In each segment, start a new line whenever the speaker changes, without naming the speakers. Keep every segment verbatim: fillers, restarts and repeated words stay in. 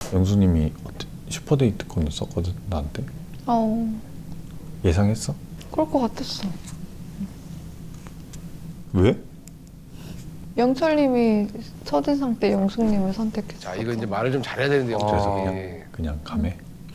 영수님이 슈퍼데이트 건을 썼거든 나한테.
어.
예상했어?
그럴 것 같았어.
왜?
영철님이 첫인상 때 영숙님을 선택했어.
자 이거 이제 말을 좀 잘해야 되는데 영철 씨 그냥.
그냥 그냥 감해.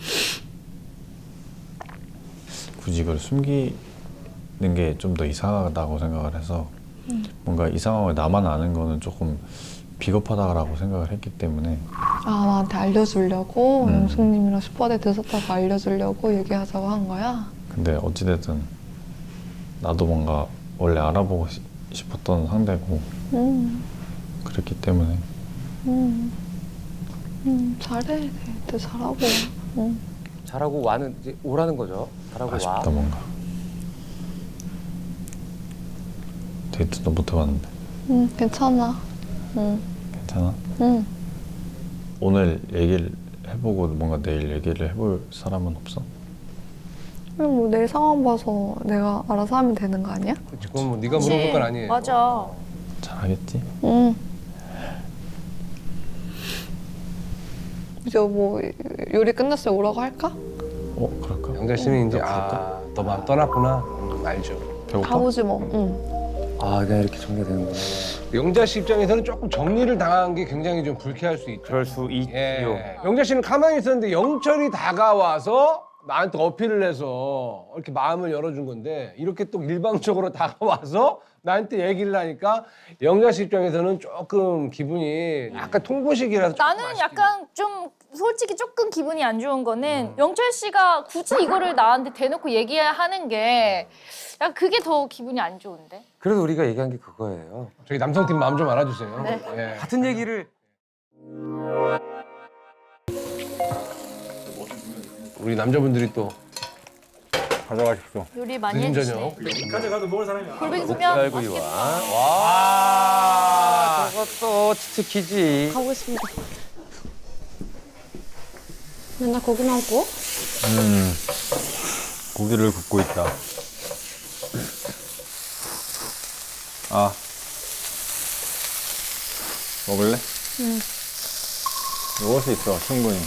굳이 이걸 숨기는 게 좀 더 이상하다고 생각을 해서
음.
뭔가 이 상황을 나만 아는 거는 조금 비겁하다라고 생각을 했기 때문에.
아, 나한테 알려주려고
음.
영숙님이랑 슈퍼데이트 썼다고 알려주려고 얘기하자고 한 거야?
근데 어찌됐든 나도 뭔가 원래 알아보고 시, 싶었던 상대고
음.
그랬기 때문에.
음. 음, 잘해. 데이트 잘하고. 음.
잘하고 와는 이제 오라는 거죠. 잘하고 와.
아쉽다 뭔가. 데이트도 못 해봤는데.
음, 괜찮아. 음.
괜찮아?
음.
오늘 얘기를 해보고 뭔가 내일 얘기를 해볼 사람은 없어?
그럼 뭐 내 상황 봐서 내가 알아서 하면 되는 거 아니야?
그치, 그건 뭐 네가 물어볼 건 아니에요.
맞아.
잘하겠지?
응. 이제 뭐 요리 끝났을 때 오라고 할까?
어? 그럴까?
영자 씨는 이제
그럴까?
아너 마음 떠났구나. 음, 알죠.
배고파?
가보지 뭐. 응.
아, 그냥 이렇게 정리가 되는구나.
영자 씨 입장에서는 조금 정리를 당한 게 굉장히 좀 불쾌할 수 있죠.
그럴 수 있지요.
예. 영자 씨는 가만히 있었는데 영철이 다가와서 나한테 어필을 해서 이렇게 마음을 열어준 건데 이렇게 또 일방적으로 다가와서 나한테 얘기를 하니까 영자 씨 입장에서는 조금 기분이 약간 통보식이라서 조금
나는
아쉽긴
약간 좀 솔직히 조금 기분이 안 좋은 거는 영철 씨가 굳이 이거를 나한테 대놓고 얘기하는 게 약간 그게 더 기분이 안 좋은데.
그래도 우리가 얘기한 게 그거예요.
저희 남성팀 마음 좀 알아주세요.
네.
예.
같은 얘기를
우리 남자분들이 또
가져가십시오.
요리 많이
늦은
해주시네.
저녁.
가져가도 먹을 사람이
골뱅이 소면
쌀구이와
맛있겠다.
와, 저것도 치트키지.
가보겠습니다. 맨날 고기만 구워?
음, 고기를 굽고 있다. 아, 먹을래?
응.
먹을 수 있어, 충분히.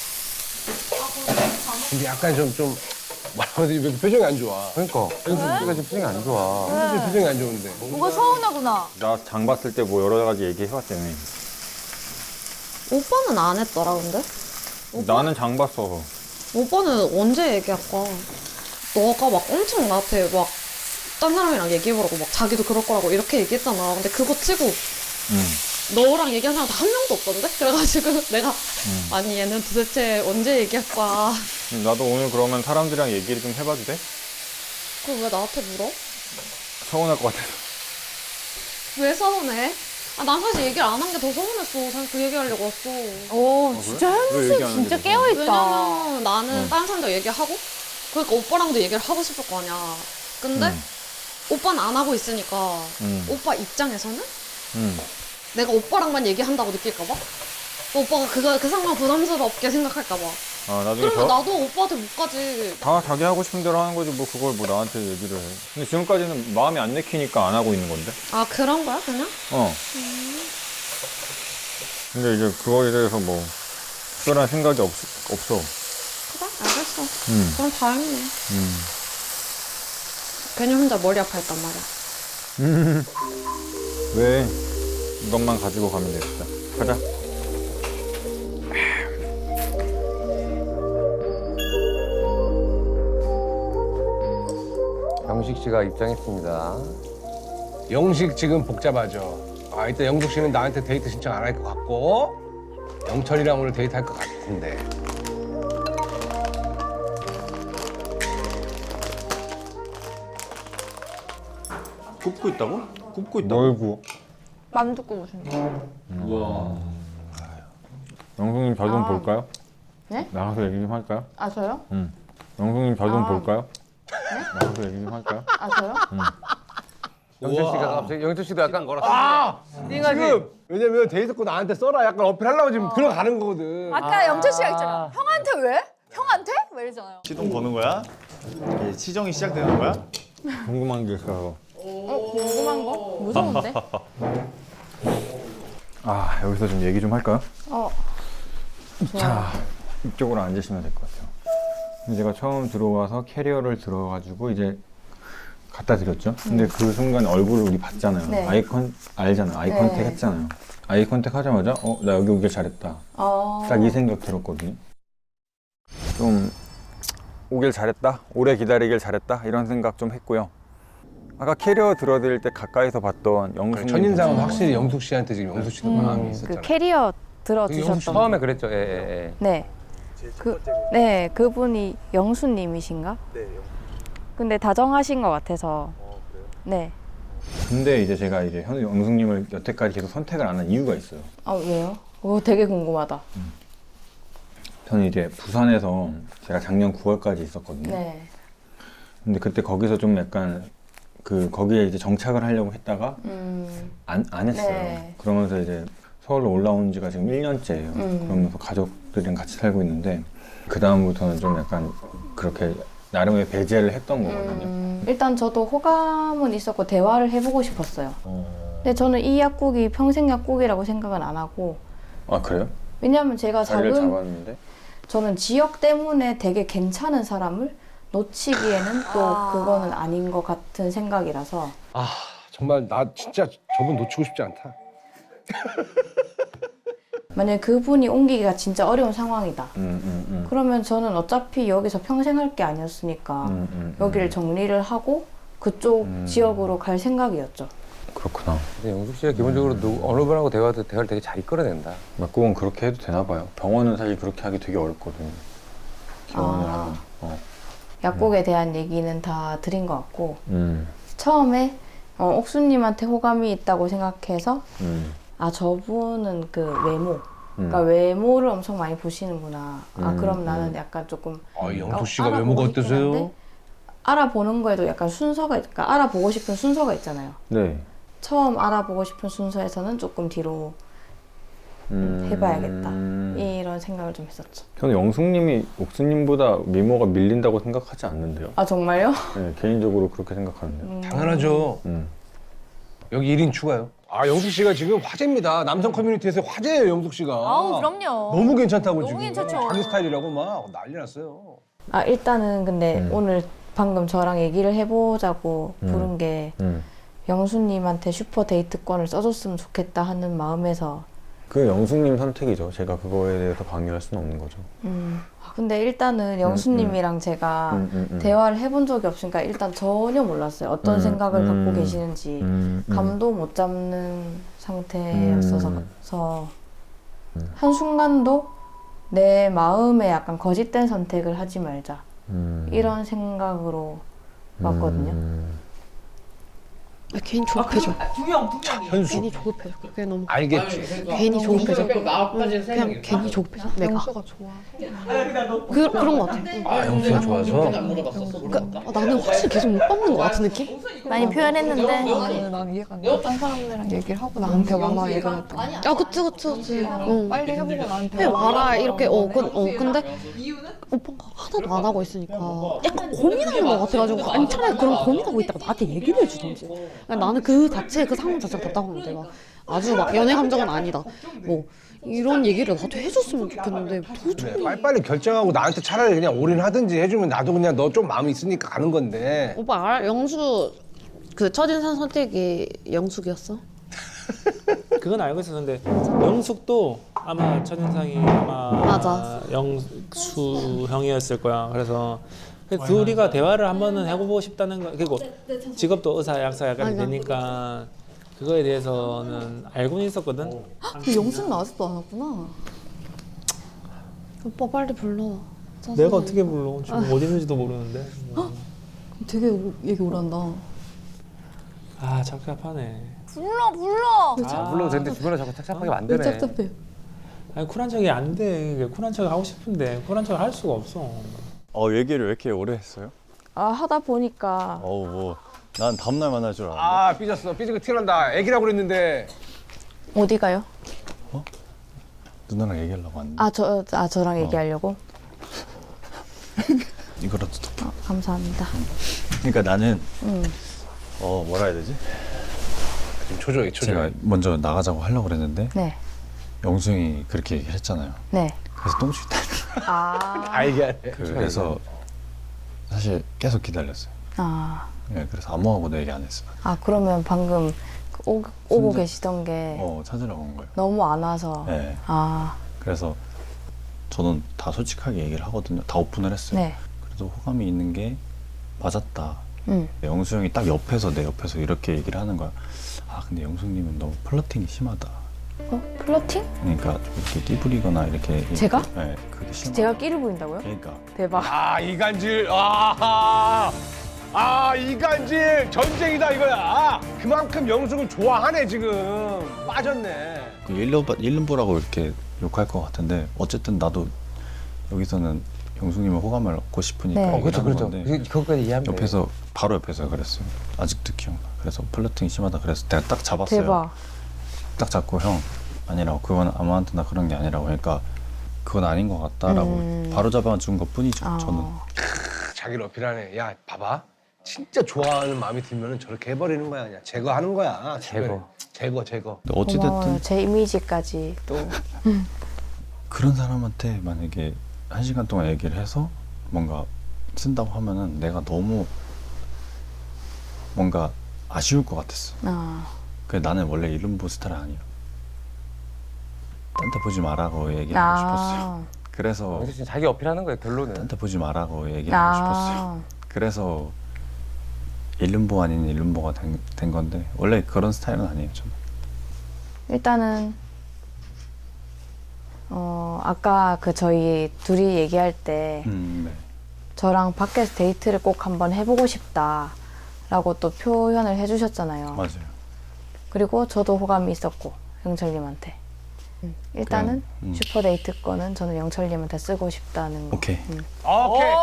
근데 약간 좀, 좀 뭐라고 해야 되지? 왜 이렇게 표정이 안 좋아?
그러니까 우리가 지금 표정이 안 좋아.
사실 표정이 안 좋은데.
뭔가 서운하구나.
나 장 봤을 때 뭐 여러 가지 얘기해봤다며.
오빠는 안 했더라 근데?
나는 장 봤어.
오빠는 언제 얘기할까? 너가 막 엄청 나한테 막 딴 사람이랑 얘기해보라고 막 자기도 그럴 거라고 이렇게 얘기했잖아. 근데 그거 치고
응.
너랑 얘기한 사람 한 명도 없던데? 그래가지고 내가
응.
아니 얘는 도대체 언제 얘기할 거야.
나도 오늘 그러면 사람들이랑 얘기를 좀 해봐도 돼?
그걸 왜 나한테 물어?
서운할 것 같아서.
왜 서운해? 아, 난 사실 얘기를 안 한 게 더 서운했어. 사실 그 얘기하려고 왔어.
오 진짜
왜
현수
얘기 안 하는
진짜
게
깨어있다.
왜냐면 나는
응.
다른 사람들 얘기하고 그러니까 오빠랑도 얘기를 하고 싶을 거 아니야. 근데
응.
오빠는 안 하고 있으니까
응.
오빠 입장에서는
응.
내가 오빠랑만 얘기한다고 느낄까 봐? 오빠가 그거 그 상황 부담스럽게 생각할까 봐.
아, 나중에
그러면
저,
나도 오빠한테 못 가지.
다 자기 하고 싶은 대로 하는 거지 뭐 그걸 뭐 나한테 얘기를 해. 근데 지금까지는 마음이 안 내키니까 안 하고 있는 건데.
아 그런 거야 그냥?
어. 근데 이제 그거에 대해서 뭐 특별한 생각이 없, 없어.
그래 알겠어.
응.
그럼 다행이네.
응.
괜히 혼자 머리 아파했단 말이야.
왜? 이것만 가지고 가면 되겠다. 가자.
영식 씨가 입장했습니다.
영식 지금 복잡하죠. 아, 이따 영숙 씨는 나한테 데이트 신청 안 할 것 같고 영철이랑 오늘 데이트 할 것 같은데.
굽고 있다고? 굽고 있다고?
뭘 구워?
만두 구우신다.
우와.
영숙님 저 좀
아.
볼까요?
네?
나가서 얘기 좀 할까요?
아 저요?
응. 영숙님 저 좀
아.
볼까요? 나가서 얘기 좀 할까요?
아 저요?
영철 씨가 갑자기 영철 씨도 약간
아!
띵하지.
지금 왜냐면 데이트 거 나한테 써라 약간 어필하려고 지금 들어가는 거거든.
아까 영철 씨가 있잖아. 형한테 왜? 형한테? 왜 이러잖아요.
시동 거는 거야? 이게 시정이 시작되는 거야?
궁금한 게 있어서.
어 궁금한 거? 무서운데?
아, 여기서 좀 얘기 좀 할까요?
어.
자, 이쪽으로 앉으시면 될 것 같아요. 제가 처음 들어와서 캐리어를 들어가지고 이제 갖다 드렸죠. 근데 그 순간 얼굴을 우리 봤잖아요.
네.
아이컨 알잖아요. 아이 컨택
네.
했잖아요. 아이 컨택 하자마자 어, 나 여기 오길 잘했다.
어...
딱 이 생각 들었거든요. 좀 오길 잘했다. 오래 기다리길 잘했다. 이런 생각 좀 했고요. 아까 캐리어 들어드릴 때 가까이서 봤던 영숙님
첫인상은
보시는
확실히 영숙 씨한테 지금 영숙 씨도 마음이
그
있었잖아.
캐리어 들어주셨던
처음에 그랬죠. 예, 예, 예.
네. 그, 네, 그분이 영수님이신가? 네. 근데 다정하신 것 같아서. 네.
근데 이제 제가 이제 현 영숙님을 여태까지 계속 선택을 안 한 이유가 있어요.
아, 왜요? 오, 되게 궁금하다.
저는 이제 부산에서 제가 작년 구월까지 있었거든요.
네.
근데 그때 거기서 좀 약간 그 거기에 이제 정착을 하려고 했다가
음,
안, 안 했어요.
네.
그러면서 이제 서울로 올라온 지가 지금 일 년째예요.
음.
그러면서 가족들이랑 같이 살고 있는데 그 다음부터는 좀 약간 그렇게 나름의 배제를 했던 거거든요.
음, 일단 저도 호감은 있었고 대화를 해보고 싶었어요.
어...
근데 저는 이 약국이 평생 약국이라고 생각은 안 하고
아 그래요?
왜냐면 제가
자리를
작은
잡았는데?
저는 지역 때문에 되게 괜찮은 사람을 놓치기에는 또
아.
그거는 아닌 것 같은 생각이라서
아 정말 나 진짜 저분 놓치고 싶지 않다.
만약에 그분이 옮기기가 진짜 어려운 상황이다.
음, 음, 음.
그러면 저는 어차피 여기서 평생 할 게 아니었으니까
음, 음,
여기를
음.
정리를 하고 그쪽
음.
지역으로 갈 생각이었죠.
그렇구나.
근데 영숙 씨가 기본적으로 누, 어느 분하고 대화도 대화를 되게 잘 이끌어낸다.
약국은 그렇게 해도 되나 봐요. 병원은 사실 그렇게 하기 되게 어렵거든요. 지원을
아.
하면. 어.
약국에 대한 얘기는 다 드린 것 같고
음,
처음에 어, 옥수님한테 호감이 있다고 생각해서
음,
아 저분은 그 외모
음.
그러니까 외모를 엄청 많이 보시는구나. 아
음,
그럼 나는
음.
약간 조금
아 영숙
어,
씨가
알아보고
외모가
싶긴
어떠세요?
한데 알아보는 거에도 약간 순서가 그러니까 알아보고 싶은 순서가 있잖아요.
네.
처음 알아보고 싶은 순서에서는 조금 뒤로
음,
해봐야겠다.
음.
이런 생각을 좀 했었죠.
저는 영숙님이 옥수님보다 미모가 밀린다고 생각하지 않는데요.
아 정말요?
네, 개인적으로 그렇게 생각하는데요.
음,
당연하죠.
음.
여기 일 인 추가요. 아 영숙 씨가 지금 화제입니다. 남성 커뮤니티에서 화제예요 영숙 씨가.
아우 그럼요.
너무 괜찮다고
너무
지금.
괜찮죠.
자기 스타일이라고 막 난리 났어요.
아 일단은 근데
음.
오늘 방금 저랑 얘기를 해보자고
음.
부른 게
음.
영수님한테 슈퍼 데이트권을 써줬으면 좋겠다 하는 마음에서
그 영숙님 선택이죠. 제가 그거에 대해서 강요할 수는 없는 거죠.
음, 아, 근데 일단은 영수님이랑 제가
음, 음, 음.
대화를 해본 적이 없으니까 일단 전혀 몰랐어요. 어떤
음,
생각을
음.
갖고 계시는지
음, 음.
감도 못 잡는 상태였어서
음.
서
음.
한순간도 내 마음에 약간 거짓된 선택을 하지 말자
음.
이런 생각으로 왔거든요.
음.
아, 괜히 조급해져.
현수.
괜히 조급해져. 그게 너무
알겠지.
괜히 조급해져. 그냥 괜히 조급해져. 내가.
영수가 좋아.
그, 그런 것 같아.
아 영수가 좋아서.
그, 아, 나는 확실히 계속 못 받는 것 같은 느낌?
많이 표현했는데
나는, 난 이해가 안 돼. 딴 사람들이랑 얘기를 하고 나한테 와라 이러랬던 거.
아, 그치, 그치, 그치. 어.
빨리 해보고 나한테
해 와라 이렇게 어, 그, 어 근데 오빠가 하나도 안 하고 있으니까 약간 고민하는 것 같아가지고 아니 차라리 그런 고민하고 있다가 나한테 얘기를 해주던지. 그러니까 나는 그 자체 그 상황 자체가 답답한데 막 아주 막 연애 감정은 아니다 뭐 이런 얘기를 나도 해줬으면 좋겠는데 도저히
그래, 빨리빨리 결정하고 나한테 차라리 그냥 올인하든지 해주면 나도 그냥 너 좀 마음이 있으니까 가는 건데.
오빠 알아? 영수 그 첫인상 선택이 영숙이었어?
그건 알고 있었는데 영숙도 아마 첫인상이 아마
맞아.
영수 형이었을 거야. 그래서 그 둘이가 대화를 한 번은 해보고 싶다는 거. 그리고 직업도 의사, 약사 약간
맞아.
되니까 그거에 대해서는 알고는 있었거든.
근데 영수는 아직도 안 왔구나. 오빠 빨리 불러.
내가 어떻게 불러? 지금 어디 있는지도 모르는데.
되게 얘기 오란다.
아 착잡하네.
불러 불러.
아, 물론 근데 주변에 자꾸 착잡하게 만드네.
짭짭해.
아니 쿨한 척이 안 돼. 쿨한 척 하고 싶은데 쿨한 척을 할 수가 없어.
어 얘기를 왜 이렇게 오래 했어요?
아 하다 보니까
어우 뭐 난 다음날 만날 줄 알았는데.
아 삐졌어. 삐지고 티난다. 애기라고 그랬는데.
어디 가요?
누나랑 얘기하려고 왔는데
아 저 아 저랑 얘기하려고?
이거라도 더.
어, 감사합니다.
그러니까 나는
음.
어 뭐라 해야 되지?
지금 초조해 초조해.
제가 먼저 나가자고 하려고 그랬는데
네.
영수 형이 그렇게 얘기를 했잖아요.
네.
그래서 똥줄 때
아,
알게 하네.
그래서 사실 계속 기다렸어요.
아,
네, 그래서 아무하고도 얘기 안 했어요.
아 그러면 방금 그 오, 오고
진짜-
계시던 게
어 찾으러 온 거예요.
너무 안 와서.
네.
아,
그래서 저는 다 솔직하게 얘기를 하거든요. 다 오픈을 했어요.
네.
그래도 호감이 있는 게 맞았다.
음.
영수 형이 딱 옆에서 내 옆에서 이렇게 얘기를 하는 거야. 아 근데 영수님은 너무 플러팅이 심하다.
어? 플러팅?
그러니까 좀 이렇게 띠부리거나 이렇게
제가?
네, 그게 심하.
제가 끼를 부린다고요?
그러니까
대박.
아 이간질. 아, 아 이간질 전쟁이다 이거야. 그만큼 영숙을 좋아하네 지금. 빠졌네.
그 일름보, 일름보라고 이렇게 욕할 것 같은데 어쨌든 나도 여기서는 영수님의 호감을 얻고 싶으니까
네.
어
얘기를
그렇죠
하는
그렇죠.
건데
그- 그것까지 이해하면 돼.
옆에서 바로 옆에서 그랬어요. 아직도 기억나. 그래서 플러팅이 심하다. 그래서 내가 딱 잡았어요.
대박.
딱 잡고 형 아니라고 그건 아무한테나 그런 게 아니라고 그러니까 그건 아닌 것 같다라고
음.
바로 잡아준 것 뿐이죠.
아.
저는
자기를 어필하네. 야 봐봐. 진짜 좋아하는 마음이 들면은 저렇게 해버리는 거야 그냥 제거하는 거야.
제거.
제거 제거.
근데 어찌됐든
고마워요. 제 이미지까지 또.
그런 사람한테 만약에 한 시간 동안 얘기를 해서 뭔가 쓴다고 하면은 내가 너무 뭔가 아쉬울 것 같았어.
아,
그 나는 원래 이름보 스타일 아니야. 딴 데 보지 마라고 얘기하고 싶었어요.
아,
그래서
영수 씨 자기 어필하는 거예요 결론은.
딴 데 보지 마라고 얘기하고 싶었어요.
아,
그래서 일름보 아닌 일름보가 된, 된 건데 원래 그런 스타일은 아니에요 저는.
일단은 어 아까 그 저희 둘이 얘기할 때
음, 네.
저랑 밖에서 데이트를 꼭 한번 해보고 싶다라고 또 표현을 해주셨잖아요.
맞아요.
그리고 저도 호감이 있었고 영철님한테. 음, 일단은
그냥, 음.
슈퍼 데이트 거는 저는 영철님한테 쓰고 싶다는 거.
오케이.
음.
오케이.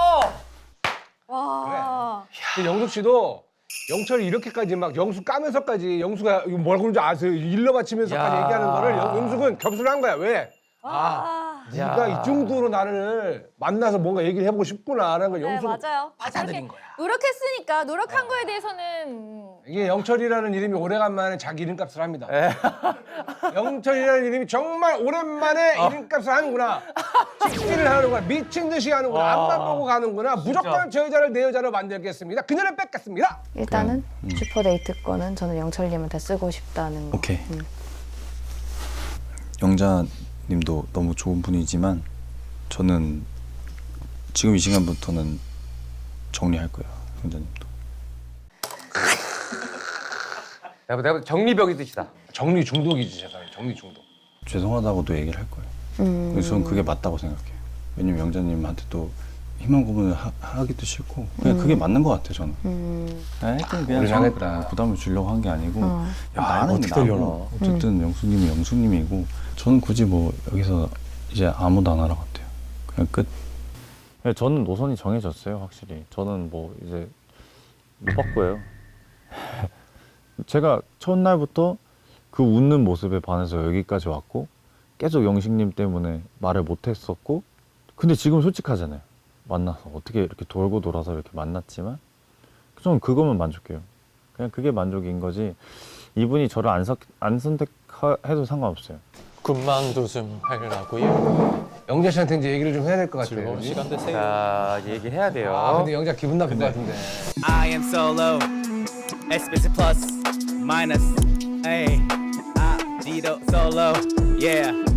와.
근데 영숙 씨도 영철이 이렇게까지 막 영숙 까면서까지 영숙가 이거 뭐라고 그러는지 아세요? 일러 바치면서까지
야.
얘기하는 거를 영- 영숙은 격수를 한 거야. 왜? 아, 네가
야.
이 정도로 나를 만나서 뭔가 얘기를 해보고 싶구나라는 걸
네,
영숙은
맞아요.
받아들인
그렇게
거야.
노력했으니까 노력한 거에 대해서는
이게 영철이라는 이름이 오래간만에 자기 이름값을 합니다. 영철이라는 이름이 정말 오랜만에 이름값을 하는구나. 찍기를 하는구나. 미친 듯이 하는구나. 앞만 보고 가는구나. 무조건 저 여자를 내 여자로 만들겠습니다. 그녀를 뺏겠습니다.
일단은
음.
슈퍼 데이트 거는 저는 영철님한테 쓰고 싶다는 거.
오케이.
음.
영자님도 너무 좋은 분이지만 저는 지금 이 시간부터는 정리할 거예요. 영자님도.
내가 내가 정리벽이 뜻이다.
정리 중독이지 세상에. 정리 중독.
죄송하다고도 얘기를 할 거예요.
음.
그래서 저는 그게 맞다고 생각해요. 왜냐면 영자님한테도 희망 고문을 하, 하기도 싫고 그냥 그게 맞는 것 같아요 저는.
음.
하여튼 그냥
우리
성-
하겠다.
부담을 주려고 한 게 아니고
어.
야,
아,
나는
어떻게
나고
되려나.
어쨌든 영수님이 영수님이고 저는 굳이 뭐 여기서 이제 아무도 안 하러 같아요. 그냥 끝. 네, 저는 노선이 정해졌어요 확실히. 저는 뭐 이제 못 바꿔요. 제가 첫날부터 그 웃는 모습에 반해서 여기까지 왔고 계속 영식님 때문에 말을 못했었고 근데 지금 솔직하잖아요. 만나서 어떻게 이렇게 돌고 돌아서 이렇게 만났지만 저는 그거면 만족해요. 그냥 그게 만족인 거지 이분이 저를 안, 선- 안 선택해도 상관없어요.
군망도 좀 하려고요.
영자 씨한테 이제 얘기를 좀 해야 될 것 같아요.
즐거운
그지?
시간 되세요.
자 얘기해야 돼요.
아 근데 영자 기분 나쁠 것 같은데.
I am solo. Explicit plus minus. Hey, I Dito solo. Yeah.